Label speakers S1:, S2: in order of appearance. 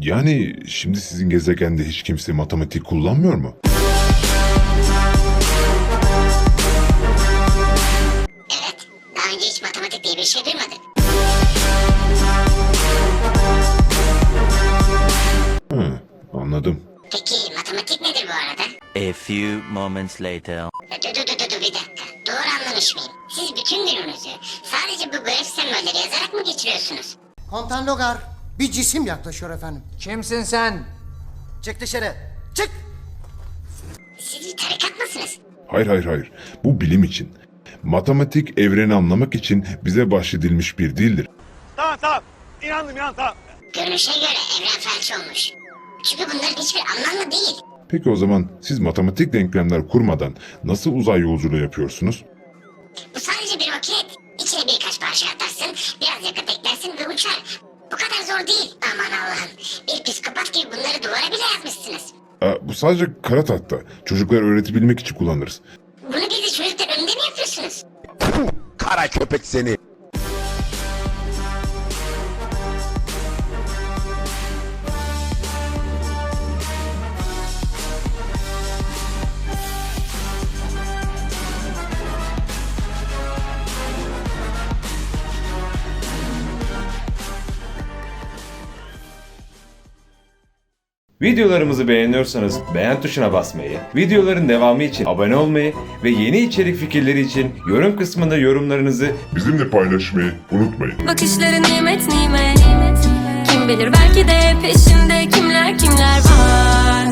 S1: Yani şimdi sizin gezegende hiç kimse matematik kullanmıyor mu?
S2: Evet, daha önce hiç matematik diye bir şey duymadık.
S1: Hı, anladım.
S2: Peki matematik nedir bu arada?
S3: A few moments later.
S2: Dur bir dakika. Doğru anlamış mıyım? Siz bütün gününüzü sadece bu grafik sembolleri yazarak mı geçiriyorsunuz?
S4: Komutan Logar, bir cisim yaklaşıyor efendim.
S5: Kimsin sen?
S4: Çık dışarı, çık!
S2: Siz bir tarikat mısınız?
S1: Hayır. Bu bilim için. Matematik evreni anlamak için bize bahşedilmiş bir dildir.
S6: Tamam. İnandım tamam.
S2: Görünüşe göre evren felç olmuş. Çünkü bunların hiçbir anlamlı değil.
S1: Peki o zaman siz matematik denklemler kurmadan nasıl uzay yolculuğu yapıyorsunuz?
S2: Bu sadece bir roket. İçine birkaç parça atarsın, biraz yakıt eklersin ve uçar. Bu kadar zor değil. Aman Allah'ım. Bir psikopat gibi bunları duvara bile yazmışsınız.
S1: Bu sadece kara tahta. Çocuklara öğretebilmek için kullanırız.
S2: Bunu bizi çocuklar önünde mi yapıyorsunuz?
S7: Kara köpek seni.
S8: Videolarımızı beğeniyorsanız beğen tuşuna basmayı, videoların devamı için abone olmayı ve yeni içerik fikirleri için yorum kısmında yorumlarınızı
S1: Bizimle paylaşmayı unutmayın.
S9: Bakışları nimet nimet. Kim bilir belki de peşinde kimler var.